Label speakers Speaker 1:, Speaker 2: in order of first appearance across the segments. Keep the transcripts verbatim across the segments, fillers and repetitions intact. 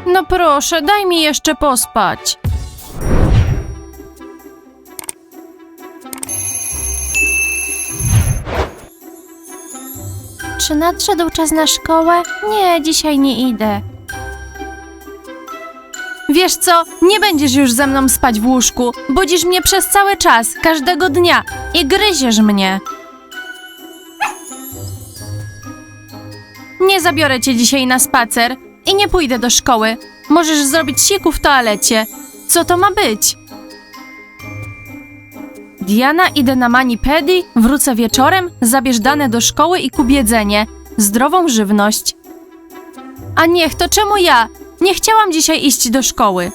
Speaker 1: No proszę, daj mi jeszcze pospać. Czy nadszedł czas na szkołę? Nie, dzisiaj nie idę. Wiesz co, nie będziesz już ze mną spać w łóżku. Budzisz mnie przez cały czas, każdego dnia i gryziesz mnie. Nie zabiorę cię dzisiaj na spacer i nie pójdę do szkoły. Możesz zrobić siku w toalecie. Co to ma być? Diana, idę na mani-pedi, wrócę wieczorem, zabierz dane do szkoły i kup jedzenie. Zdrową żywność. A niech, to czemu ja? Nie chciałam dzisiaj iść do szkoły.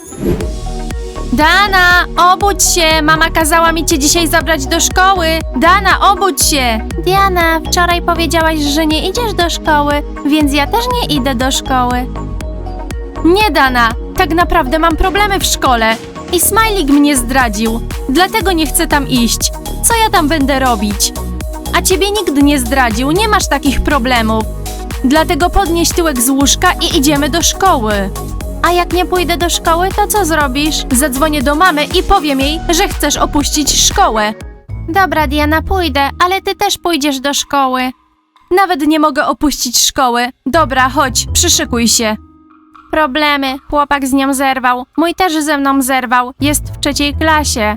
Speaker 1: Dana, obudź się! Mama kazała mi cię dzisiaj zabrać do szkoły. Dana, obudź się! Diana, wczoraj powiedziałaś, że nie idziesz do szkoły, więc ja też nie idę do szkoły. Nie, Dana, tak naprawdę mam problemy w szkole. I Smajlik mnie zdradził, dlatego nie chcę tam iść. Co ja tam będę robić? A ciebie nikt nie zdradził, nie masz takich problemów. Dlatego podnieś tyłek z łóżka i idziemy do szkoły. A jak nie pójdę do szkoły, to co zrobisz? Zadzwonię do mamy i powiem jej, że chcesz opuścić szkołę. Dobra, Diana, pójdę, ale ty też pójdziesz do szkoły. Nawet nie mogę opuścić szkoły. Dobra, chodź, przyszykuj się. Problemy. Chłopak z nią zerwał. Mój też ze mną zerwał. Jest w trzeciej klasie.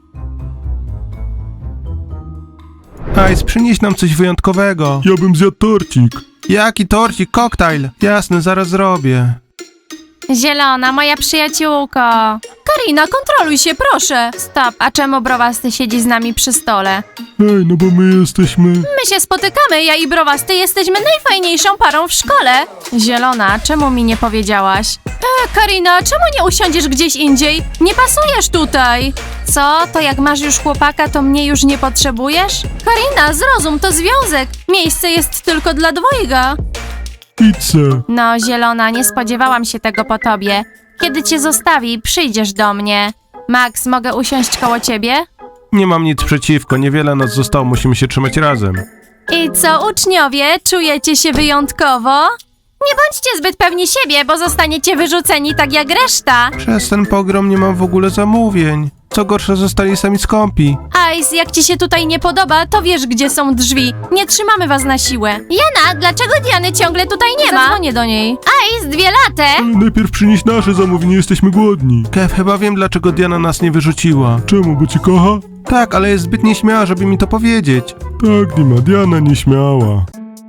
Speaker 2: Ice, przynieś nam coś wyjątkowego.
Speaker 3: Ja bym zjadł torcik.
Speaker 2: Jaki torcik? Koktajl. Jasne, zaraz zrobię.
Speaker 1: Zielona, moja przyjaciółko. Karina, kontroluj się, proszę. Stop, a czemu Browasty siedzi z nami przy stole?
Speaker 3: Ej, no bo my jesteśmy...
Speaker 1: My się spotykamy, ja i Browasty jesteśmy najfajniejszą parą w szkole. Zielona, czemu mi nie powiedziałaś? E, Karina, czemu nie usiądziesz gdzieś indziej? Nie pasujesz tutaj. Co? To jak masz już chłopaka, to mnie już nie potrzebujesz? Karina, zrozum, to związek. Miejsce jest tylko dla dwojga.
Speaker 3: Pizzę.
Speaker 1: No, Zielona, nie spodziewałam się tego po tobie. Kiedy cię zostawi, przyjdziesz do mnie. Max, mogę usiąść koło ciebie?
Speaker 2: Nie mam nic przeciwko, niewiele nas zostało, musimy się trzymać razem.
Speaker 1: I co, uczniowie, czujecie się wyjątkowo? Nie bądźcie zbyt pewni siebie, bo zostaniecie wyrzuceni tak jak reszta.
Speaker 2: Przez ten pogrom nie mam w ogóle zamówień. Co gorsza, zostali sami skąpi.
Speaker 1: Ice, jak ci się tutaj nie podoba, to wiesz, gdzie są drzwi. Nie trzymamy was na siłę. Jana, dlaczego Diany ciągle tutaj nie ma? Zadzwonię do niej. Ice, dwie latę.
Speaker 3: Ale najpierw przynieś nasze zamówienie, jesteśmy głodni.
Speaker 2: Kev, chyba wiem, dlaczego Diana nas nie wyrzuciła.
Speaker 3: Czemu, bo ci kocha?
Speaker 2: Tak, ale jest zbyt nieśmiała, żeby mi to powiedzieć.
Speaker 3: Tak, Dima, Diana nieśmiała.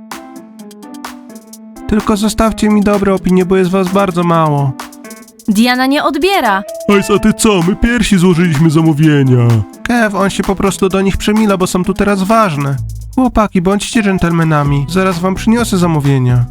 Speaker 2: Tylko zostawcie mi dobre opinie, bo jest was bardzo mało.
Speaker 1: Diana nie odbiera.
Speaker 3: Ice, a ty co? My pierwsi złożyliśmy zamówienia.
Speaker 2: Kev, on się po prostu do nich przemila, bo są tu teraz ważne. Chłopaki, bądźcie dżentelmenami. Zaraz wam przyniosę zamówienia.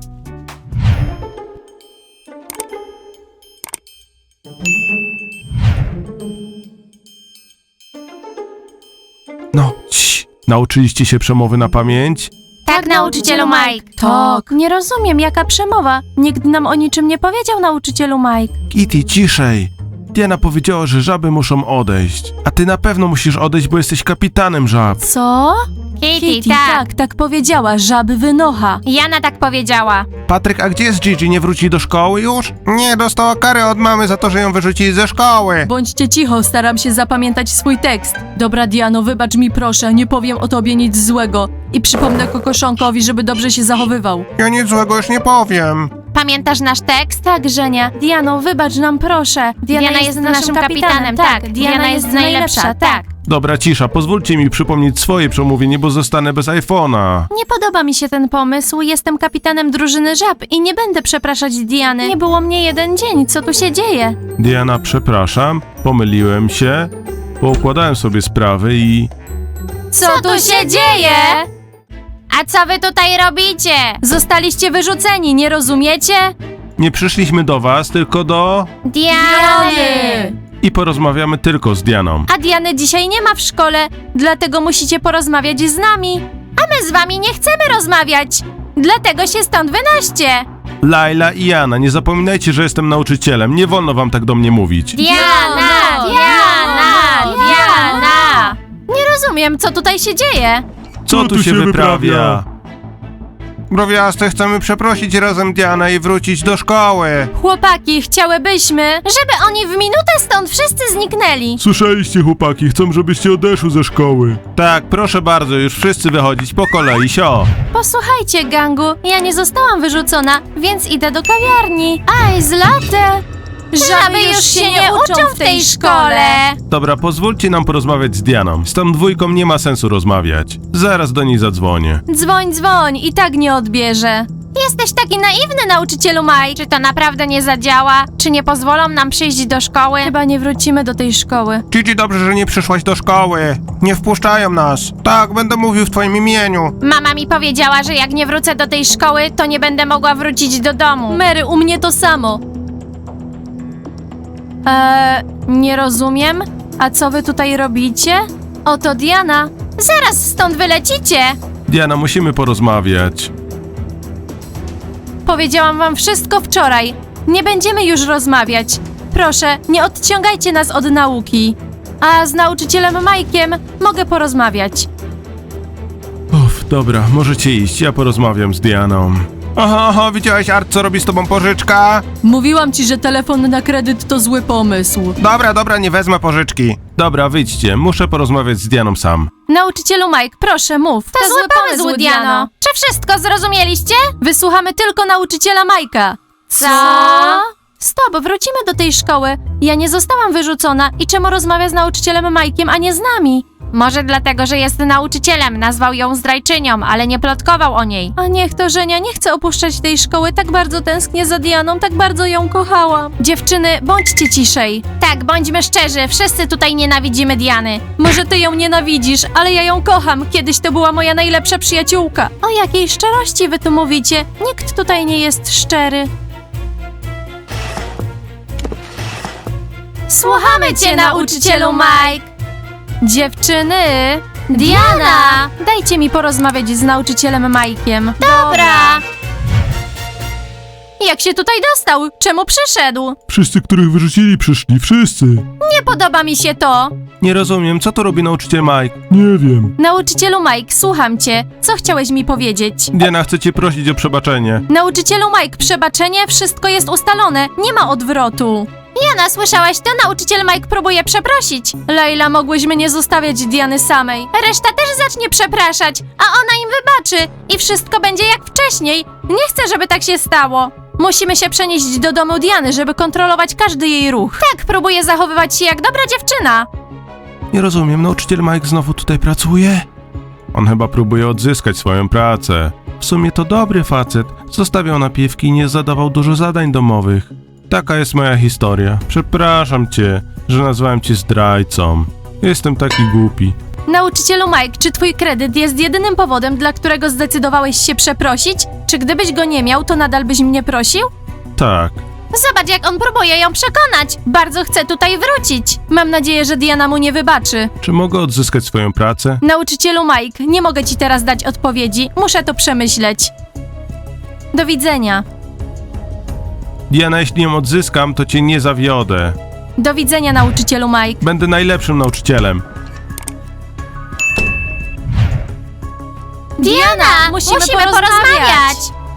Speaker 2: No, cii. Nauczyliście się przemowy na pamięć?
Speaker 1: Tak, nauczycielu Mike. Tak. Nie rozumiem, jaka przemowa. Nikt nam o niczym nie powiedział, nauczycielu Mike.
Speaker 2: Kitty, ciszej. Diana powiedziała, że żaby muszą odejść. A ty na pewno musisz odejść, bo jesteś kapitanem żab.
Speaker 1: Co?
Speaker 4: Kitty,
Speaker 1: tak, tak powiedziała, żaby wynocha.
Speaker 4: Jana tak powiedziała.
Speaker 2: Patryk, a gdzie jest Gigi? Nie wróci do szkoły już? Nie, dostała karę od mamy za to, że ją wyrzucili ze szkoły.
Speaker 1: Bądźcie cicho, staram się zapamiętać swój tekst. Dobra, Diano, wybacz mi proszę, nie powiem o tobie nic złego. I przypomnę Kokoszonkowi, żeby dobrze się zachowywał.
Speaker 2: Ja nic złego już nie powiem.
Speaker 4: Pamiętasz nasz tekst?
Speaker 1: Tak, Żenia. Diano, wybacz nam proszę. Diana,
Speaker 4: Diana jest naszym kapitanem, tak. Diana jest najlepsza, tak.
Speaker 2: Dobra, cisza, pozwólcie mi przypomnieć swoje przemówienie, bo zostanę bez iPhone'a.
Speaker 1: Nie podoba mi się ten pomysł. Jestem kapitanem drużyny żab i nie będę przepraszać Diany. Nie było mnie jeden dzień. Co tu się dzieje?
Speaker 2: Diana, przepraszam, pomyliłem się, poukładałem sobie sprawy i...
Speaker 1: Co tu się dzieje?
Speaker 4: A co wy tutaj robicie?
Speaker 1: Zostaliście wyrzuceni, nie rozumiecie?
Speaker 2: Nie przyszliśmy do was, tylko do...
Speaker 4: Diany!
Speaker 2: I porozmawiamy tylko z Dianą.
Speaker 1: A Diany dzisiaj nie ma w szkole, dlatego musicie porozmawiać z nami. A my z wami nie chcemy rozmawiać. Dlatego się stąd wynoście.
Speaker 2: Laila i Jana, nie zapominajcie, że jestem nauczycielem. Nie wolno wam tak do mnie mówić.
Speaker 4: Diana! Diana! Diana!
Speaker 1: Nie rozumiem, co tutaj się dzieje.
Speaker 2: Co tu się wyprawia? Browiasty, chcemy przeprosić razem Dianę i wrócić do szkoły.
Speaker 1: Chłopaki, chciałybyśmy, żeby oni w minutę stąd wszyscy zniknęli.
Speaker 3: Słyszeliście, chłopaki, chcą, żebyście odeszły ze szkoły.
Speaker 2: Tak, proszę bardzo, już wszyscy wychodzić po kolei, sio.
Speaker 1: Posłuchajcie, gangu, ja nie zostałam wyrzucona, więc idę do kawiarni. Aj, z latte! Żaby już się nie uczą w tej szkole.
Speaker 2: Dobra, pozwólcie nam porozmawiać z Dianą. Z tą dwójką nie ma sensu rozmawiać. Zaraz do niej zadzwonię.
Speaker 1: Dzwoń, dzwoń, i tak nie odbierze. Jesteś taki naiwny, nauczycielu Mike.
Speaker 4: Czy to naprawdę nie zadziała? Czy nie pozwolą nam przyjść do szkoły?
Speaker 1: Chyba nie wrócimy do tej szkoły.
Speaker 2: Gigi, dobrze, że nie przyszłaś do szkoły. Nie wpuszczają nas. Tak, będę mówił w twoim imieniu.
Speaker 4: Mama mi powiedziała, że jak nie wrócę do tej szkoły, to nie będę mogła wrócić do domu.
Speaker 1: Mary, u mnie to samo. Eee, nie rozumiem. A co wy tutaj robicie? Oto Diana.
Speaker 4: Zaraz stąd wylecicie!
Speaker 2: Diana, musimy porozmawiać.
Speaker 1: Powiedziałam wam wszystko wczoraj. Nie będziemy już rozmawiać. Proszę, nie odciągajcie nas od nauki. A z nauczycielem Mike'iem mogę porozmawiać.
Speaker 2: Uff, dobra, możecie iść, ja porozmawiam z Dianą. Aha, aha, widziałeś, Art, co robi z tobą pożyczka?
Speaker 1: Mówiłam ci, że telefon na kredyt to zły pomysł.
Speaker 2: Dobra, dobra, nie wezmę pożyczki. Dobra, wyjdźcie, muszę porozmawiać z Dianą sam.
Speaker 1: Nauczycielu Mike, proszę mów.
Speaker 4: To, zły pomysł, Diano. Czy wszystko zrozumieliście?
Speaker 1: Wysłuchamy tylko nauczyciela Majka.
Speaker 4: Co?
Speaker 1: Stop, wrócimy do tej szkoły. Ja nie zostałam wyrzucona i czemu rozmawia z nauczycielem Majkiem, a nie z nami?
Speaker 4: Może dlatego, że jest nauczycielem, nazwał ją zdrajczynią, ale nie plotkował o niej.
Speaker 1: A niech to Żenia, nie chcę opuszczać tej szkoły, tak bardzo tęsknię za Dianą, tak bardzo ją kochałam. Dziewczyny, bądźcie ciszej.
Speaker 4: Tak, bądźmy szczerzy, wszyscy tutaj nienawidzimy Diany.
Speaker 1: Może ty ją nienawidzisz, ale ja ją kocham. Kiedyś to była moja najlepsza przyjaciółka. O jakiej szczerości wy tu mówicie? Nikt tutaj nie jest szczery. Słuchamy cię, nauczycielu Mike! Dziewczyny! Diana! Dajcie mi porozmawiać z nauczycielem Mike'iem.
Speaker 4: Dobra!
Speaker 1: Jak się tutaj dostał? Czemu przyszedł?
Speaker 3: Wszyscy, których wyrzucili, przyszli, wszyscy.
Speaker 1: Nie podoba mi się to!
Speaker 2: Nie rozumiem, co tu robi nauczyciel Mike?
Speaker 3: Nie wiem.
Speaker 1: Nauczycielu Mike, słucham cię. Co chciałeś mi powiedzieć?
Speaker 2: Diana, chcę cię prosić o przebaczenie.
Speaker 1: Nauczycielu Mike, przebaczenie, wszystko jest ustalone. Nie ma odwrotu.
Speaker 4: Jana, słyszałaś to? Nauczyciel Mike próbuje przeprosić.
Speaker 1: Leila, mogłyśmy nie zostawiać Diany samej.
Speaker 4: Reszta też zacznie przepraszać, a ona im wybaczy i wszystko będzie jak wcześniej. Nie chcę, żeby tak się stało.
Speaker 1: Musimy się przenieść do domu Diany, żeby kontrolować każdy jej ruch.
Speaker 4: Tak, próbuje zachowywać się jak dobra dziewczyna.
Speaker 2: Nie rozumiem, nauczyciel Mike znowu tutaj pracuje? On chyba próbuje odzyskać swoją pracę. W sumie to dobry facet. Zostawiał napiwki i nie zadawał dużo zadań domowych. Taka jest moja historia. Przepraszam cię, że nazwałem cię zdrajcą. Jestem taki głupi.
Speaker 1: Nauczycielu Mike, czy twój kredyt jest jedynym powodem, dla którego zdecydowałeś się przeprosić? Czy gdybyś go nie miał, to nadal byś mnie prosił?
Speaker 2: Tak.
Speaker 4: Zobacz, jak on próbuje ją przekonać. Bardzo chce tutaj wrócić.
Speaker 1: Mam nadzieję, że Diana mu nie wybaczy.
Speaker 2: Czy mogę odzyskać swoją pracę?
Speaker 1: Nauczycielu Mike, nie mogę ci teraz dać odpowiedzi. Muszę to przemyśleć. Do widzenia.
Speaker 2: Diana, jeśli ją odzyskam, to cię nie zawiodę.
Speaker 1: Do widzenia, nauczycielu Mike.
Speaker 2: Będę najlepszym nauczycielem.
Speaker 4: Diana,
Speaker 1: musimy
Speaker 4: musimy,
Speaker 1: porozmawiać.
Speaker 4: porozmawiać.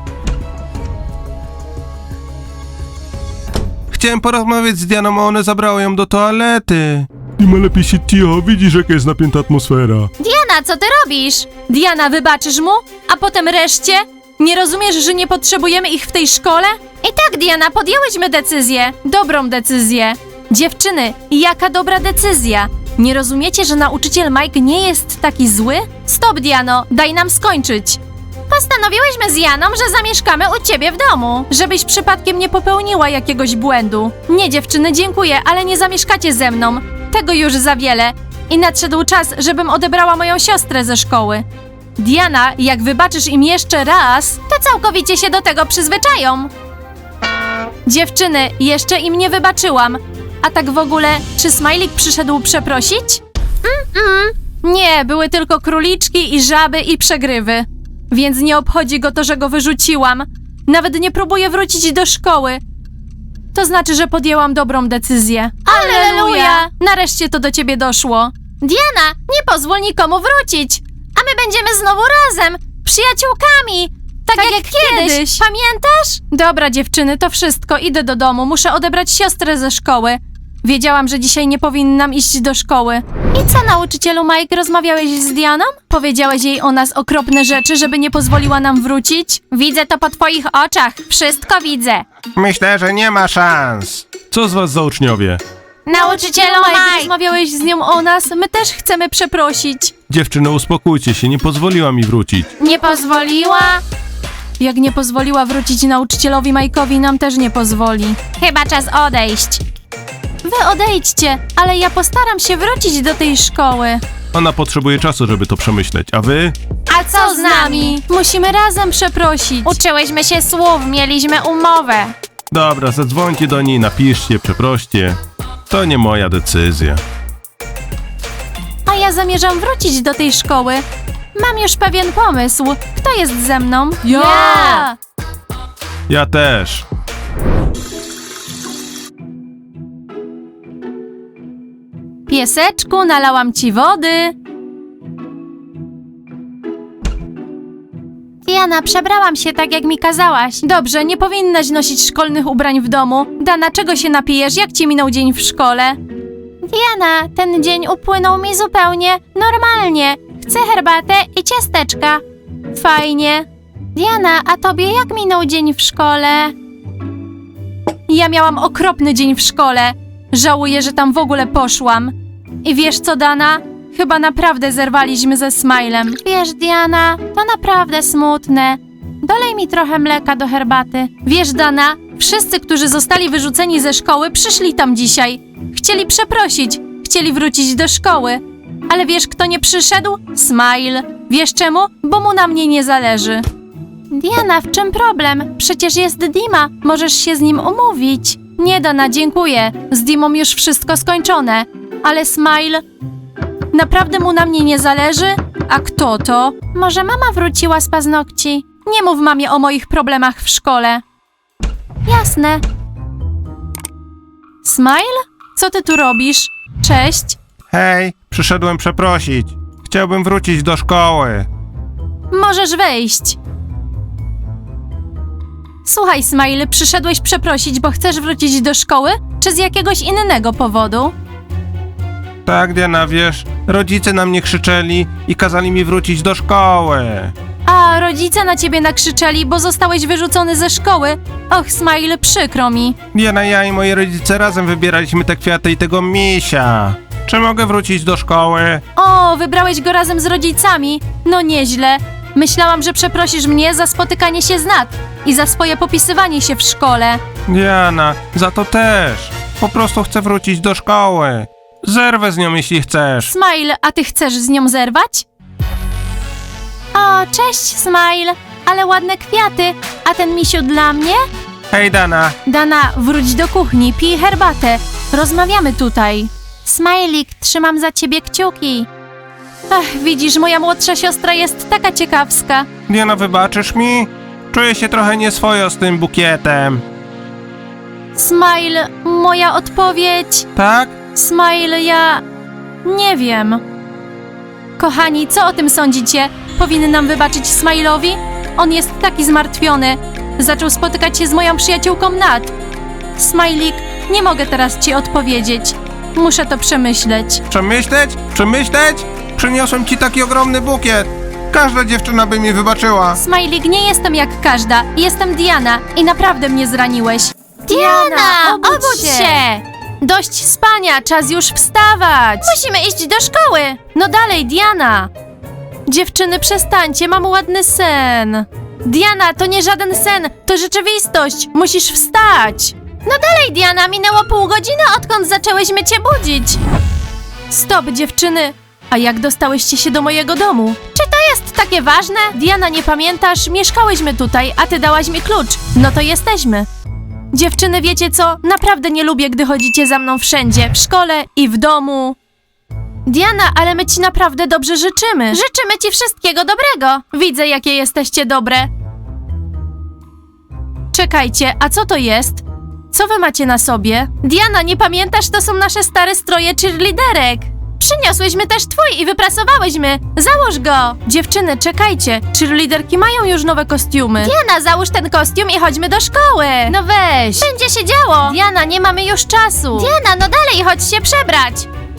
Speaker 2: Chciałem porozmawiać z Dianą, a one zabrały ją do toalety.
Speaker 3: Dima, lepiej się cicho, widzisz, jaka jest napięta atmosfera.
Speaker 4: Diana, co ty robisz?
Speaker 1: Diana, wybaczysz mu? A potem reszcie? Nie rozumiesz, że nie potrzebujemy ich w tej szkole?
Speaker 4: I tak, Diana, podjęłyśmy decyzję.
Speaker 1: Dobrą decyzję. Dziewczyny, jaka dobra decyzja. Nie rozumiecie, że nauczyciel Mike nie jest taki zły? Stop, Diano, daj nam skończyć.
Speaker 4: Postanowiłyśmy z Janą, że zamieszkamy u ciebie w domu.
Speaker 1: Żebyś przypadkiem nie popełniła jakiegoś błędu. Nie, dziewczyny, dziękuję, ale nie zamieszkacie ze mną. Tego już za wiele. I nadszedł czas, żebym odebrała moją siostrę ze szkoły. Diana, jak wybaczysz im jeszcze raz...
Speaker 4: To całkowicie się do tego przyzwyczają.
Speaker 1: Dziewczyny, jeszcze im nie wybaczyłam. A tak w ogóle, czy Smajlik przyszedł przeprosić?
Speaker 4: Mm-mm.
Speaker 1: Nie, były tylko króliczki i żaby i przegrywy. Więc nie obchodzi go to, że go wyrzuciłam. Nawet nie próbuje wrócić do szkoły. To znaczy, że podjęłam dobrą decyzję.
Speaker 4: Alleluja!
Speaker 1: Nareszcie to do ciebie doszło.
Speaker 4: Diana, nie pozwól nikomu wrócić. A my będziemy znowu razem, przyjaciółkami. Tak, jak, kiedyś. Pamiętasz?
Speaker 1: Dobra, dziewczyny, to wszystko. Idę do domu. Muszę odebrać siostrę ze szkoły. Wiedziałam, że dzisiaj nie powinnam iść do szkoły. I co, nauczycielu Mike, rozmawiałeś z Dianą? Powiedziałeś jej o nas okropne rzeczy, żeby nie pozwoliła nam wrócić?
Speaker 4: Widzę to po twoich oczach. Wszystko widzę.
Speaker 2: Myślę, że nie ma szans. Co z was za uczniowie?
Speaker 4: Nauczycielu
Speaker 1: Mike,
Speaker 4: Mike.
Speaker 1: rozmawiałeś z nią o nas? My też chcemy przeprosić.
Speaker 2: Dziewczyny, uspokójcie się, nie pozwoliła mi wrócić.
Speaker 4: Nie pozwoliła?
Speaker 1: Jak nie pozwoliła wrócić nauczycielowi Mike'owi, nam też nie pozwoli.
Speaker 4: Chyba czas odejść.
Speaker 1: Wy odejdźcie, ale ja postaram się wrócić do tej szkoły.
Speaker 2: Ona potrzebuje czasu, żeby to przemyśleć, a wy?
Speaker 4: A co z nami?
Speaker 1: Musimy razem przeprosić.
Speaker 4: Uczyłyśmy się słów, mieliśmy umowę.
Speaker 2: Dobra, zadzwońcie do niej, napiszcie, przeproście. To nie moja decyzja.
Speaker 1: A ja zamierzam wrócić do tej szkoły. Mam już pewien pomysł. Kto jest ze mną?
Speaker 4: Ja!
Speaker 2: Ja też.
Speaker 1: Pieseczku, nalałam ci wody.
Speaker 4: Diana, przebrałam się tak, jak mi kazałaś.
Speaker 1: Dobrze, nie powinnaś nosić szkolnych ubrań w domu. Dana, czego się napijesz? Jak ci minął dzień w szkole?
Speaker 4: Diana, ten dzień upłynął mi zupełnie normalnie. Chcę herbatę i ciasteczka.
Speaker 1: Fajnie.
Speaker 4: Diana, a tobie jak minął dzień w szkole?
Speaker 1: Ja miałam okropny dzień w szkole. Żałuję, że tam w ogóle poszłam. I wiesz co, Dana? Chyba naprawdę zerwaliśmy ze Smilem.
Speaker 4: Wiesz, Diana, to naprawdę smutne. Dolej mi trochę mleka do herbaty.
Speaker 1: Wiesz, Dana, wszyscy, którzy zostali wyrzuceni ze szkoły, przyszli tam dzisiaj. Chcieli przeprosić, chcieli wrócić do szkoły. Ale wiesz, kto nie przyszedł? Smile. Wiesz czemu? Bo mu na mnie nie zależy.
Speaker 4: Diana, w czym problem? Przecież jest Dima.
Speaker 1: Możesz się z nim umówić. Nie, Dana, dziękuję. Z Dimą już wszystko skończone. Ale Smile... Naprawdę mu na mnie nie zależy? A kto to?
Speaker 4: Może mama wróciła z paznokci?
Speaker 1: Nie mów mamie o moich problemach w szkole.
Speaker 4: Jasne.
Speaker 1: Smile? Co ty tu robisz? Cześć.
Speaker 2: Hej, przyszedłem przeprosić. Chciałbym wrócić do szkoły.
Speaker 1: Możesz wejść. Słuchaj, Smile, przyszedłeś przeprosić, bo chcesz wrócić do szkoły? Czy z jakiegoś innego powodu?
Speaker 2: Tak, Diana, wiesz, rodzice na mnie krzyczeli i kazali mi wrócić do szkoły.
Speaker 1: A rodzice na ciebie nakrzyczeli, bo zostałeś wyrzucony ze szkoły. Och, Smile, przykro mi.
Speaker 2: Diana, ja i moi rodzice razem wybieraliśmy te kwiaty i tego misia. Czy mogę wrócić do szkoły?
Speaker 1: O, wybrałeś go razem z rodzicami. No nieźle. Myślałam, że przeprosisz mnie za spotykanie się z Nat i za swoje popisywanie się w szkole.
Speaker 2: Diana, za to też. Po prostu chcę wrócić do szkoły. Zerwę z nią, jeśli chcesz.
Speaker 1: Smile, a ty chcesz z nią zerwać?
Speaker 4: O, cześć, Smile. Ale ładne kwiaty. A ten misiu dla mnie?
Speaker 2: Hej, Dana.
Speaker 1: Dana, wróć do kuchni, pij herbatę. Rozmawiamy tutaj.
Speaker 4: Smajlik, trzymam za ciebie kciuki.
Speaker 1: Ach, widzisz, moja młodsza siostra jest taka ciekawska.
Speaker 2: Diana, wybaczysz mi? Czuję się trochę nieswojo z tym bukietem.
Speaker 1: Smile, moja odpowiedź.
Speaker 2: Tak?
Speaker 1: Smile, ja... nie wiem. Kochani, co o tym sądzicie? Powinnam wybaczyć Smile'owi? On jest taki zmartwiony. Zaczął spotykać się z moją przyjaciółką Nat. Smajlik, nie mogę teraz ci odpowiedzieć. Muszę to przemyśleć.
Speaker 2: Przemyśleć? Przemyśleć? Przyniosłem ci taki ogromny bukiet. Każda dziewczyna by mi wybaczyła.
Speaker 1: Smajlik, nie jestem jak każda. Jestem Diana i naprawdę mnie zraniłeś.
Speaker 4: Diana, obudź się!
Speaker 1: Dość spania, czas już wstawać!
Speaker 4: Musimy iść do szkoły!
Speaker 1: No dalej, Diana! Dziewczyny, przestańcie, mam ładny sen. Diana, to nie żaden sen, to rzeczywistość. Musisz wstać.
Speaker 4: No dalej, Diana, minęło pół godziny, odkąd zaczęłyśmy cię budzić.
Speaker 1: Stop, dziewczyny. A jak dostałyście się do mojego domu?
Speaker 4: Czy to jest takie ważne?
Speaker 1: Diana, nie pamiętasz? Mieszkałyśmy tutaj, a ty dałaś mi klucz. No to jesteśmy. Dziewczyny, wiecie co? Naprawdę nie lubię, gdy chodzicie za mną wszędzie. W szkole i w domu. Diana, ale my ci naprawdę dobrze życzymy.
Speaker 4: Życzymy ci wszystkiego dobrego.
Speaker 1: Widzę, jakie jesteście dobre. Czekajcie, a co to jest? Co wy macie na sobie? Diana, nie pamiętasz? To są nasze stare stroje cheerleaderek.
Speaker 4: Przyniosłyśmy też twój i wyprasowałyśmy. Załóż go.
Speaker 1: Dziewczyny, czekajcie. Cheerleaderki mają już nowe kostiumy.
Speaker 4: Diana, załóż ten kostium i chodźmy do szkoły.
Speaker 1: No weź.
Speaker 4: Będzie się działo.
Speaker 1: Diana, nie mamy już czasu.
Speaker 4: Diana, no dalej, chodź się przebrać.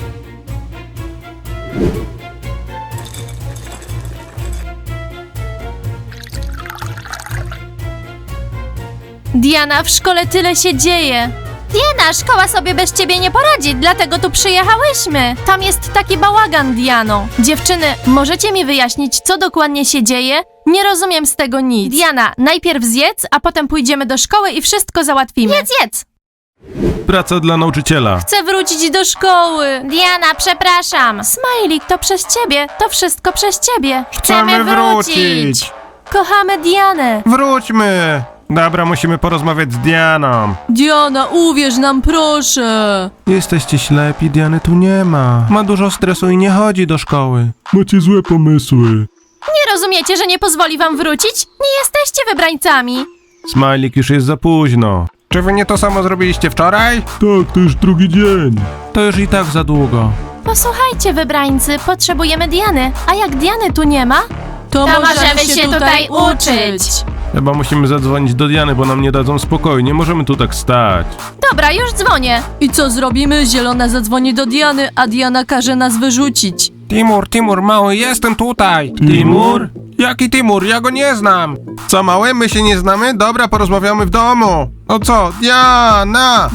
Speaker 1: Diana, w szkole tyle się dzieje.
Speaker 4: Diana, szkoła sobie bez ciebie nie poradzi, dlatego tu przyjechałyśmy.
Speaker 1: Tam jest taki bałagan, Diano. Dziewczyny, możecie mi wyjaśnić, co dokładnie się dzieje? Nie rozumiem z tego nic. Diana, najpierw zjedz, a potem pójdziemy do szkoły i wszystko załatwimy.
Speaker 4: Jedz, jedz.
Speaker 2: Praca dla nauczyciela.
Speaker 1: Chcę wrócić do szkoły.
Speaker 4: Diana, przepraszam.
Speaker 1: Smajlik, to przez ciebie. To wszystko przez ciebie.
Speaker 4: Chcemy wrócić.
Speaker 1: Kochamy Dianę.
Speaker 2: Wróćmy! Dobra, musimy porozmawiać z Dianą.
Speaker 1: Diana, uwierz nam, proszę.
Speaker 2: Jesteście ślepi, Diany tu nie ma. Ma dużo stresu i nie chodzi do szkoły.
Speaker 3: Macie złe pomysły.
Speaker 1: Nie rozumiecie, że nie pozwoli wam wrócić? Nie jesteście wybrańcami.
Speaker 2: Smajlik, już jest za późno. Czy wy nie to samo zrobiliście wczoraj?
Speaker 3: Tak, to już drugi dzień.
Speaker 2: To już i tak za długo.
Speaker 1: Posłuchajcie, wybrańcy, potrzebujemy Diany. A jak Diany tu nie ma, to,
Speaker 4: To możemy się tutaj uczyć.
Speaker 2: Chyba musimy zadzwonić do Diany, bo nam nie dadzą spokoju. Nie możemy tu tak stać.
Speaker 1: Dobra, już dzwonię. I co zrobimy? Zielona zadzwoni do Diany, a Diana każe nas wyrzucić.
Speaker 2: Timur, Timur, mały, jestem tutaj. Timur? Jaki Timur? Ja go nie znam. Co, mały? My się nie znamy? Dobra, porozmawiamy w domu. O co? Diana!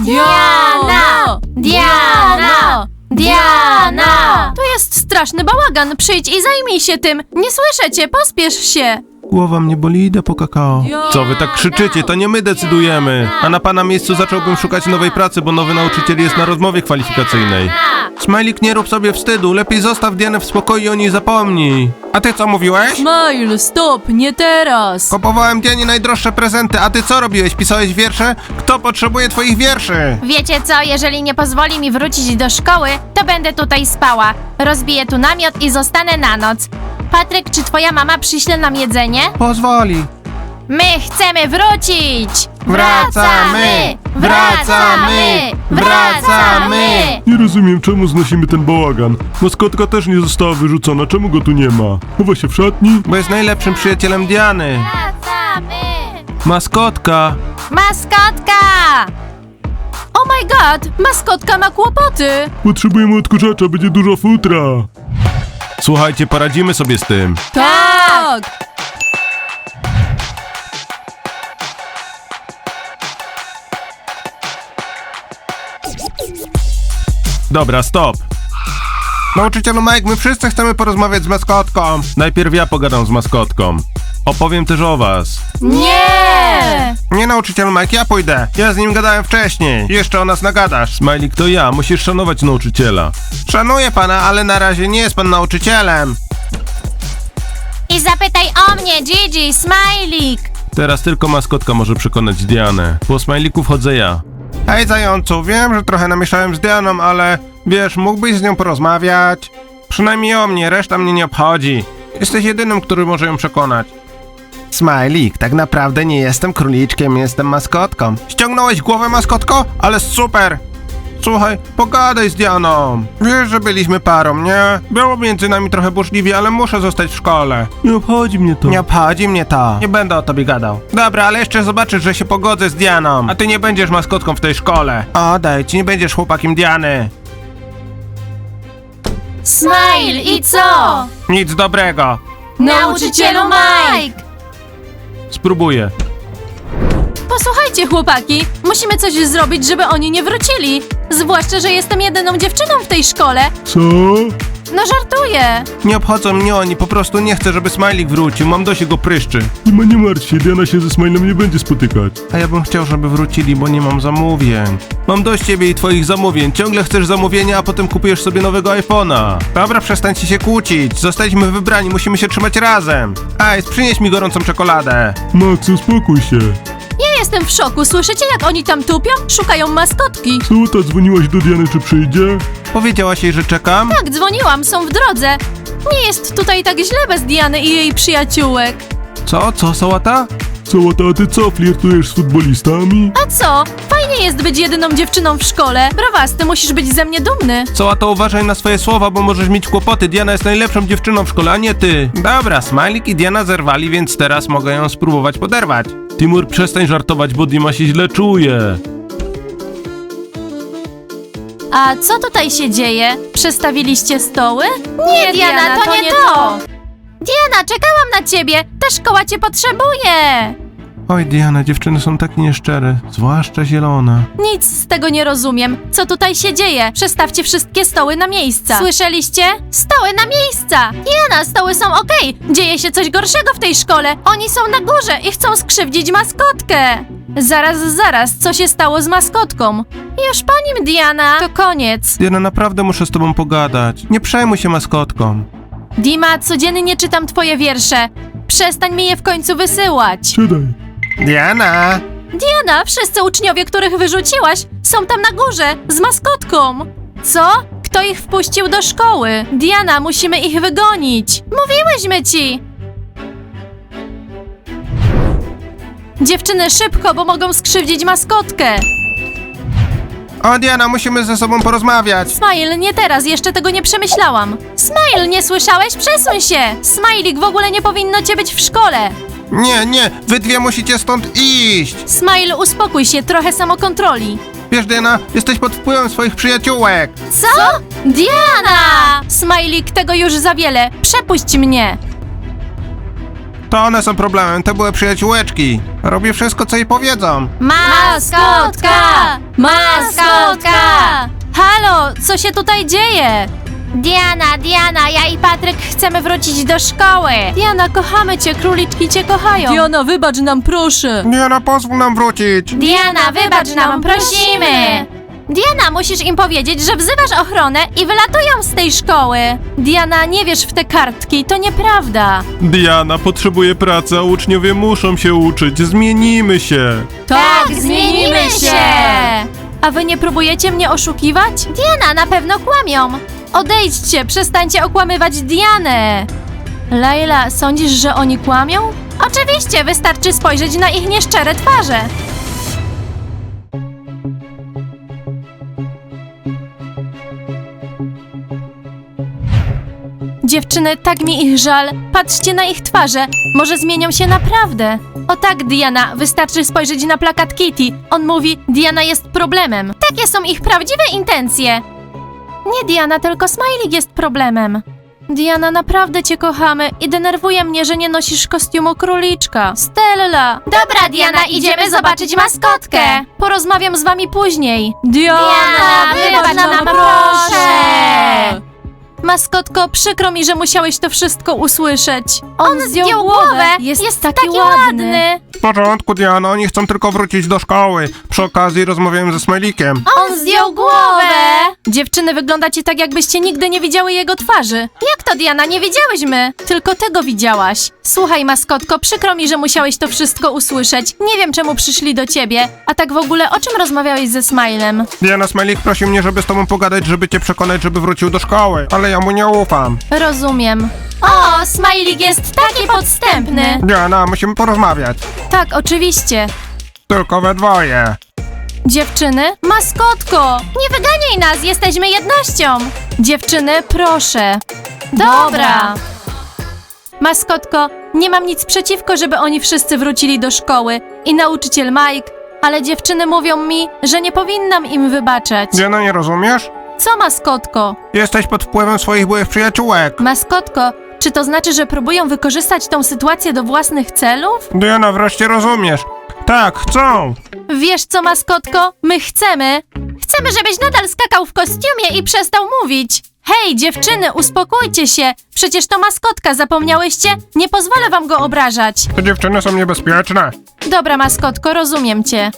Speaker 1: Diana!
Speaker 4: Diana! Diana!
Speaker 1: Tu jest straszny bałagan. Przyjdź i zajmij się tym. Nie słyszę cię, pospiesz się.
Speaker 2: Głowa mnie boli, idę po kakao. Co wy tak krzyczycie? To nie my decydujemy. A na pana miejscu zacząłbym szukać nowej pracy, bo nowy nauczyciel jest na rozmowie kwalifikacyjnej. Smajlik, nie rób sobie wstydu. Lepiej zostaw Dianę w spokoju i o niej zapomnij. A ty co mówiłeś?
Speaker 1: Smile, stop, nie teraz.
Speaker 2: Kupowałem Dianie najdroższe prezenty, a ty co robiłeś? Pisałeś wiersze? Kto potrzebuje twoich wierszy?
Speaker 4: Wiecie co, jeżeli nie pozwoli mi wrócić do szkoły, to będę tutaj spała. Rozbiję tu namiot i zostanę na noc. Patryk, czy twoja mama przyśle nam jedzenie?
Speaker 2: Pozwoli.
Speaker 4: My chcemy wrócić!
Speaker 2: Wracamy! Wracamy! Wracamy!
Speaker 3: Nie rozumiem, czemu znosimy ten bałagan. Maskotka też nie została wyrzucona, czemu go tu nie ma? Chowa się w szatni?
Speaker 2: Bo jest najlepszym przyjacielem Diany.
Speaker 4: Wracamy!
Speaker 2: Maskotka.
Speaker 4: Maskotka!
Speaker 1: Oh my god, maskotka ma kłopoty.
Speaker 3: Potrzebujemy odkurzacza, będzie dużo futra.
Speaker 2: Słuchajcie, poradzimy sobie z tym.
Speaker 1: Tak.
Speaker 2: Dobra, stop. Nauczycielu Mike, my wszyscy chcemy porozmawiać z maskotką. Najpierw ja pogadam z maskotką. Opowiem też o was.
Speaker 1: Nie.
Speaker 2: Nie, nauczycielu Mike, ja pójdę. Ja z nim gadałem wcześniej. Jeszcze o nas nagadasz. Smajlik, to ja. Musisz szanować nauczyciela. Szanuję pana, ale na razie nie jest pan nauczycielem.
Speaker 4: I zapytaj o mnie, Gigi, Smajlik!
Speaker 2: Teraz tylko maskotka może przekonać Dianę. Po Smajliku wchodzę ja. Hej zającu, wiem, że trochę namieszałem z Dianą, ale wiesz, mógłbyś z nią porozmawiać? Przynajmniej o mnie, reszta mnie nie obchodzi. Jesteś jedynym, który może ją przekonać. Smajlik, tak naprawdę nie jestem króliczkiem, jestem maskotką. Ściągnąłeś głowę, maskotko? Ale super! Słuchaj, pogadaj z Dianą. Wiesz, że byliśmy parą, nie? Było między nami trochę burzliwie, ale muszę zostać w szkole.
Speaker 3: Nie obchodzi mnie to.
Speaker 2: Nie obchodzi mnie to. Nie będę o tobie gadał. Dobra, ale jeszcze zobaczysz, że się pogodzę z Dianą. A ty nie będziesz maskotką w tej szkole. Odejdź, nie będziesz chłopakiem Diany.
Speaker 1: Smile, i co?
Speaker 2: Nic dobrego.
Speaker 1: Nauczycielu Mike.
Speaker 2: Spróbuję.
Speaker 1: Posłuchajcie, chłopaki, musimy coś zrobić, żeby oni nie wrócili. Zwłaszcza, że jestem jedyną dziewczyną w tej szkole.
Speaker 3: Co?
Speaker 1: No żartuję.
Speaker 2: Nie obchodzą mnie oni, po prostu nie chcę, żeby Smajlik wrócił. Mam dość jego pryszczy.
Speaker 3: Nie ma, nie martw się, Diana się ze Smilem nie będzie spotykać.
Speaker 2: A ja bym chciał, żeby wrócili, bo nie mam zamówień. Mam dość ciebie i twoich zamówień. Ciągle chcesz zamówienia, a potem kupujesz sobie nowego iPhone'a. Dobra, przestańcie się kłócić. Zostaliśmy wybrani, musimy się trzymać razem. Ej, przynieś mi gorącą czekoladę.
Speaker 3: Max, uspokój się.
Speaker 1: Ja jestem w szoku. Słyszycie, jak oni tam tupią? Szukają maskotki.
Speaker 3: Co, ta dzwoniłaś do Diany, czy przyjdzie?
Speaker 2: Powiedziałaś jej, że czekam?
Speaker 1: Tak, dzwoniłam, są w drodze. Nie jest tutaj tak źle bez Diany i jej przyjaciółek.
Speaker 2: Co? Co, sałata?
Speaker 3: Sałata, a ty co, flirtujesz z futbolistami?
Speaker 1: A co? Fajnie jest być jedyną dziewczyną w szkole. Brawasty, musisz być ze mnie dumny.
Speaker 2: Co, a to uważaj na swoje słowa, bo możesz mieć kłopoty. Diana jest najlepszą dziewczyną w szkole, a nie ty. Dobra, Smajlik i Diana zerwali, więc teraz mogę ją spróbować poderwać.
Speaker 3: Timur, przestań żartować, bo Dima się źle czuje.
Speaker 1: A co tutaj się dzieje? Przestawiliście stoły?
Speaker 4: Nie, Diana, to nie to. Diana, czekałam na ciebie. Ta szkoła cię potrzebuje.
Speaker 2: Oj, Diana, dziewczyny są tak nieszczere, zwłaszcza zielona.
Speaker 1: Nic z tego nie rozumiem. Co tutaj się dzieje? Przestawcie wszystkie stoły na miejsca. Słyszeliście?
Speaker 4: Stoły na miejsca.
Speaker 1: Diana, stoły są okej. Dzieje się coś gorszego w tej szkole. Oni są na górze i chcą skrzywdzić maskotkę. Zaraz, zaraz, co się stało z maskotką? Już po nim, Diana. To koniec.
Speaker 2: Diana, naprawdę muszę z tobą pogadać. Nie przejmuj się maskotką.
Speaker 1: Dima, codziennie czytam twoje wiersze. Przestań mi je w końcu wysyłać.
Speaker 3: Siadaj.
Speaker 2: Diana!
Speaker 1: Diana, wszyscy uczniowie, których wyrzuciłaś, są tam na górze, z maskotką. Co? Kto ich wpuścił do szkoły? Diana, musimy ich wygonić. Mówiłyśmy ci. Dziewczyny, szybko, bo mogą skrzywdzić maskotkę.
Speaker 2: O, Diana, musimy ze sobą porozmawiać.
Speaker 1: Smile, nie teraz, jeszcze tego nie przemyślałam. Smile, nie słyszałeś? Przesuń się. Smilik, w ogóle nie powinno cię być w szkole.
Speaker 2: Nie, nie, wy dwie musicie stąd iść.
Speaker 1: Smile, uspokój się, trochę samokontroli.
Speaker 2: Wiesz, Diana, jesteś pod wpływem swoich przyjaciółek.
Speaker 1: Co? Diana! Smajlik, tego już za wiele. Przepuść mnie.
Speaker 2: To one są problemem, to były przyjaciółeczki. Robię wszystko, co jej powiedzą.
Speaker 1: Maskotka! Maskotka! Halo, co się tutaj dzieje?
Speaker 4: Diana, Diana, ja i Patryk chcemy wrócić do szkoły.
Speaker 1: Diana, kochamy cię, króliczki cię kochają. Diana, wybacz nam, proszę.
Speaker 2: Diana, pozwól nam wrócić.
Speaker 4: Diana, wybacz nam, prosimy.
Speaker 1: Diana, musisz im powiedzieć, że wzywasz ochronę i wylatują z tej szkoły. Diana, nie wierz w te kartki, to nieprawda.
Speaker 3: Diana potrzebuje pracy, a uczniowie muszą się uczyć. Zmienimy się.
Speaker 4: Tak, zmienimy się.
Speaker 1: A wy nie próbujecie mnie oszukiwać?
Speaker 4: Diana, na pewno kłamią.
Speaker 1: Odejdźcie, przestańcie okłamywać Dianę. Laila, sądzisz, że oni kłamią? Oczywiście, wystarczy spojrzeć na ich nieszczere twarze. Dziewczyny, tak mi ich żal. Patrzcie na ich twarze. Może zmienią się naprawdę. O tak, Diana, wystarczy spojrzeć na plakat Kitty. On mówi, Diana jest problemem. Takie są ich prawdziwe intencje. Nie Diana, tylko Smajlik jest problemem. Diana, naprawdę cię kochamy i denerwuje mnie, że nie nosisz kostiumu króliczka. Stella!
Speaker 4: Dobra, Diana, idziemy zobaczyć maskotkę.
Speaker 1: Porozmawiam z wami później. Diana,
Speaker 4: Diana, wybacz nam, proszę.
Speaker 1: Maskotko, przykro mi, że musiałeś to wszystko usłyszeć.
Speaker 4: On zdjął głowę.
Speaker 1: Jest,
Speaker 4: Jest
Speaker 1: taki,
Speaker 4: taki
Speaker 1: ładny.
Speaker 4: ładny.
Speaker 2: W porządku, Diana, oni chcą tylko wrócić do szkoły. Przy okazji rozmawiałem ze Smajlikiem.
Speaker 4: On zdjął głowę.
Speaker 1: Dziewczyny, wyglądacie tak, jakbyście nigdy nie widziały jego twarzy. Jak to, Diana? Nie widziałyśmy. Tylko tego widziałaś. Słuchaj, maskotko, przykro mi, że musiałeś to wszystko usłyszeć. Nie wiem, czemu przyszli do ciebie. A tak w ogóle, o czym rozmawiałeś ze Smilem?
Speaker 2: Diana, Smajlik prosił mnie, żeby z tobą pogadać, żeby cię przekonać, żeby wrócił do szkoły. Ale ja mu nie ufam.
Speaker 1: Rozumiem.
Speaker 4: O, Smajlik jest taki podstępny.
Speaker 2: Diana, musimy porozmawiać.
Speaker 1: Tak, oczywiście.
Speaker 2: Tylko we dwoje.
Speaker 1: Dziewczyny, maskotko!
Speaker 4: Nie wyganiaj nas, jesteśmy jednością.
Speaker 1: Dziewczyny, proszę.
Speaker 4: Dobra.
Speaker 1: Maskotko, nie mam nic przeciwko, żeby oni wszyscy wrócili do szkoły i nauczyciel Mike, ale dziewczyny mówią mi, że nie powinnam im wybaczać.
Speaker 2: Diana, nie rozumiesz?
Speaker 1: Co, maskotko?
Speaker 2: Jesteś pod wpływem swoich byłych przyjaciółek.
Speaker 1: Maskotko, czy to znaczy, że próbują wykorzystać tą sytuację do własnych celów?
Speaker 2: Diana, wreszcie rozumiesz. Tak, chcą.
Speaker 1: Wiesz co, maskotko? My chcemy. Chcemy, żebyś nadal skakał w kostiumie i przestał mówić. Hej, dziewczyny, uspokójcie się. Przecież to maskotka, zapomniałyście? Nie pozwolę wam go obrażać.
Speaker 2: Te dziewczyny są niebezpieczne.
Speaker 1: Dobra, maskotko, rozumiem cię.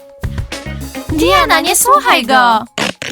Speaker 4: Diana, nie słuchaj go.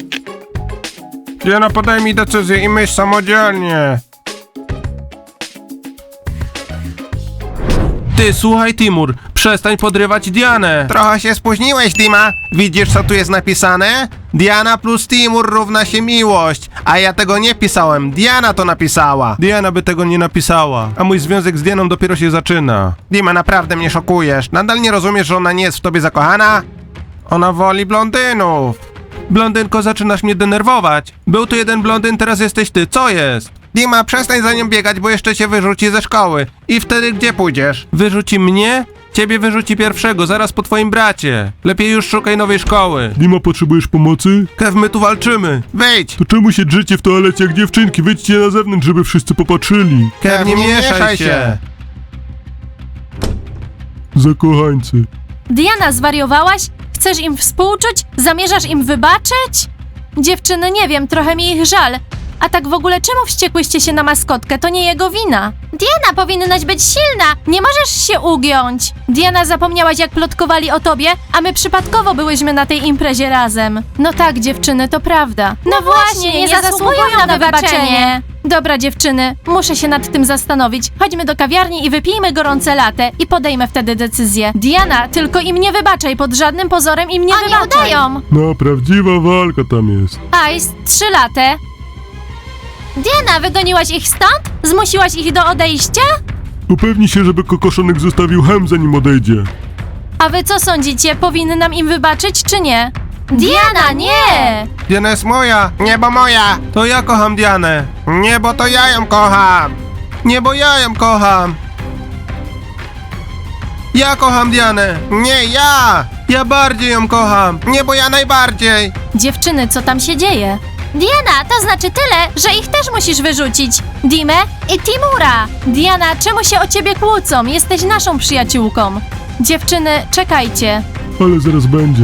Speaker 2: Diana, podaj mi decyzję i myśl samodzielnie. Ty, słuchaj Timur, przestań podrywać Dianę.
Speaker 5: Trochę się spóźniłeś, Dima. Widzisz, co tu jest napisane? Diana plus Timur równa się miłość. A ja tego nie pisałem, Diana to napisała.
Speaker 2: Diana by tego nie napisała, a mój związek z Dianą dopiero się zaczyna.
Speaker 5: Dima, naprawdę mnie szokujesz. Nadal nie rozumiesz, że ona nie jest w tobie zakochana? Ona woli blondynów.
Speaker 2: Blondynko, zaczynasz mnie denerwować. Był tu jeden blondyn, teraz jesteś ty, co jest?
Speaker 5: Dima, przestań za nią biegać, bo jeszcze cię wyrzuci ze szkoły. I wtedy gdzie pójdziesz?
Speaker 2: Wyrzuci mnie? Ciebie wyrzuci pierwszego, zaraz po twoim bracie. Lepiej już szukaj nowej szkoły.
Speaker 3: Dima, potrzebujesz pomocy?
Speaker 2: Kev, my tu walczymy.
Speaker 5: Wyjdź!
Speaker 3: To czemu się drzecie w toalecie jak dziewczynki? Wyjdźcie na zewnątrz, żeby wszyscy popatrzyli.
Speaker 2: Kev, nie mieszaj się.
Speaker 3: Zakochańcy.
Speaker 1: Diana, zwariowałaś? Chcesz im współczuć? Zamierzasz im wybaczyć? Dziewczyny, nie wiem, trochę mi ich żal. A tak w ogóle czemu wściekłyście się na maskotkę? To nie jego wina.
Speaker 4: Diana, powinnaś być silna.
Speaker 1: Nie możesz się ugiąć. Diana, zapomniałaś jak plotkowali o tobie, a my przypadkowo byłyśmy na tej imprezie razem. No tak, dziewczyny, to prawda.
Speaker 4: No właśnie, nie zasługują na wybaczenie.
Speaker 1: Dobra, dziewczyny, muszę się nad tym zastanowić. Chodźmy do kawiarni i wypijmy gorące latte i podejmę wtedy decyzję. Diana, tylko im nie wybaczaj, pod żadnym pozorem im nie
Speaker 4: Oni
Speaker 1: wybaczaj.
Speaker 4: udają.
Speaker 3: No, prawdziwa walka tam jest.
Speaker 1: Ice, trzy latte.
Speaker 4: Diana, wygoniłaś ich stąd?
Speaker 1: Zmusiłaś ich do odejścia?
Speaker 3: Upewnij się, żeby kokoszonek zostawił hem, zanim odejdzie.
Speaker 1: A wy co sądzicie, powinnam im wybaczyć czy nie? Diana, nie!
Speaker 5: Diana jest moja, niebo moja.
Speaker 2: To ja kocham Dianę.
Speaker 5: Nie, bo to ja ją kocham.
Speaker 2: Nie, bo ja ją kocham. Ja kocham Dianę.
Speaker 5: Nie, ja.
Speaker 2: Ja bardziej ją kocham.
Speaker 5: Nie, bo ja najbardziej.
Speaker 1: Dziewczyny, co tam się dzieje?
Speaker 4: Diana, to znaczy tyle, że ich też musisz wyrzucić. Dimę i Timura.
Speaker 1: Diana, czemu się o ciebie kłócą? Jesteś naszą przyjaciółką. Dziewczyny, czekajcie.
Speaker 3: Ale zaraz będzie.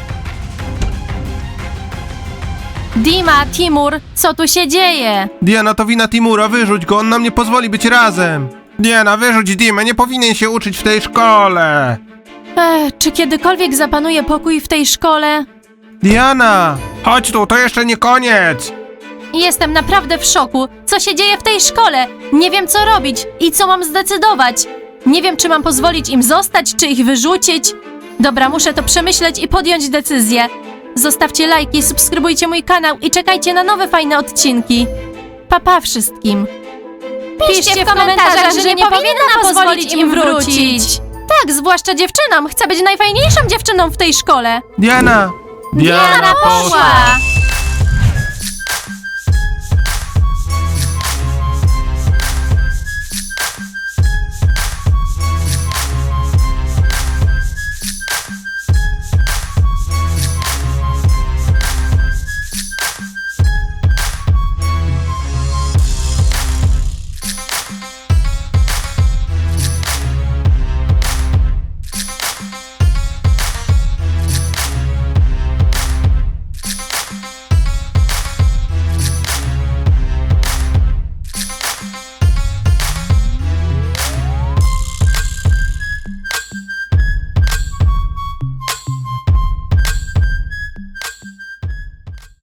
Speaker 1: Dima, Timur, co tu się dzieje?
Speaker 2: Diana, to wina Timura, wyrzuć go, on nam nie pozwoli być razem.
Speaker 5: Diana, wyrzuć Dimę, nie powinien się uczyć w tej szkole.
Speaker 1: Ech, czy kiedykolwiek zapanuje pokój w tej szkole?
Speaker 2: Diana!
Speaker 5: Chodź tu, to jeszcze nie koniec.
Speaker 1: Jestem naprawdę w szoku. Co się dzieje w tej szkole? Nie wiem, co robić i co mam zdecydować. Nie wiem, czy mam pozwolić im zostać, czy ich wyrzucić. Dobra, muszę to przemyśleć i podjąć decyzję. Zostawcie lajki, subskrybujcie mój kanał i czekajcie na nowe fajne odcinki. Pa, pa wszystkim.
Speaker 4: Piszcie w komentarzach, że nie powinna pozwolić im wrócić.
Speaker 1: Tak, zwłaszcza dziewczynom. Chcę być najfajniejszą dziewczyną w tej szkole.
Speaker 2: Diana!
Speaker 4: Diana poszła.